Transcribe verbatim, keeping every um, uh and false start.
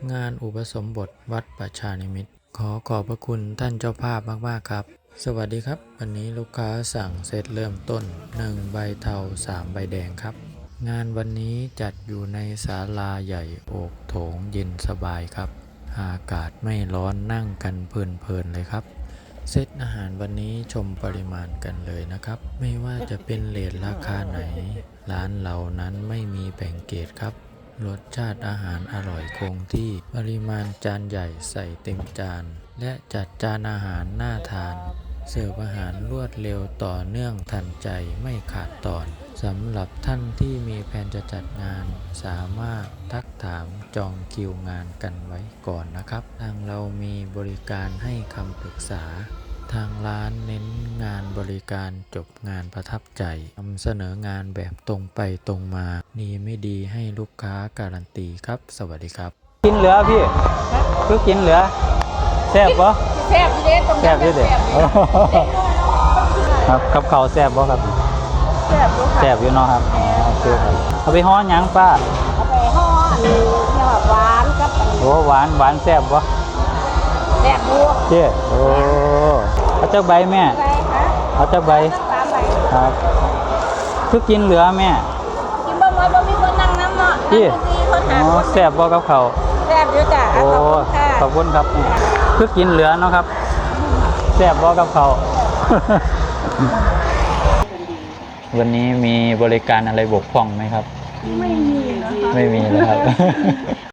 งานอุปสมบทวัดประชานิมิตรขอขอบพระคุณท่านเจ้าภาพมากๆครับสวัสดีครับวันนี้ลูกค้าสั่งเซตเริ่มต้นหนึ่งใบเทาสามใบแดงครับงานวันนี้จัดอยู่ในศาลาใหญ่โอกโถงเย็นสบายครับอากาศไม่ร้อนนั่งกันเพลินๆเลยครับเซตอาหารวันนี้ชมปริมาณกันเลยนะครับไม่ว่าจะเป็นเรทราคาไหนร้านเรานั้นไม่มีแบ่งเกรดครับรสชาติอาหารอร่อยคงที่ปริมาณจานใหญ่ใส่เต็มจานและจัดจานอาหารน่าทานเสิร์ฟอาหารรวดเร็วต่อเนื่องทันใจไม่ขาดตอนสำหรับท่านที่มีแผนจะจัดงานสามารถทักถามจองคิวงานกันไว้ก่อนนะครับทางเรามีบริการให้คำปรึกษาทางร้านเน้นงานบริการจบงานประทับใจนำเสนองานแบบตรงไปตรงมาดีไม่ดีให้ลูกค้าการันตีครับสวัสดีครับกินเหลือพี่คือกินเหลือแซ่บปะแซ่บอยู่เด้ตรงแซ่บอยู่เด้ครับกับข้าวแซ่บปะครับแซ่บอยู่ค่ะแซ่บอยู่เนาะครับโอเคครับเอาไปห่อหยังป้าเอาไปห่อเนี่ยแบบหวานกับอันนี้โอ้หวานหวานแซ่บปะแซ่บบัวเจ๊โอ้เอาเจ้าใบแม่ใบคะเอาเจ้าใบสามใบครับคือกินเหลือแม่กินบ่บ่บ่มีคนนั่งน้ำเนาะพี่คนหาคนแซ่บปะกับข้าวแซ่บอยู่จ้ะโอ้ขอบคุณครับคือกินเหลือเนาะครับแซ่บปะกับข้าววันนี้มีบริการอะไรบกพร่องไหมครับไม่มีนะคะไม่มีเลยครับ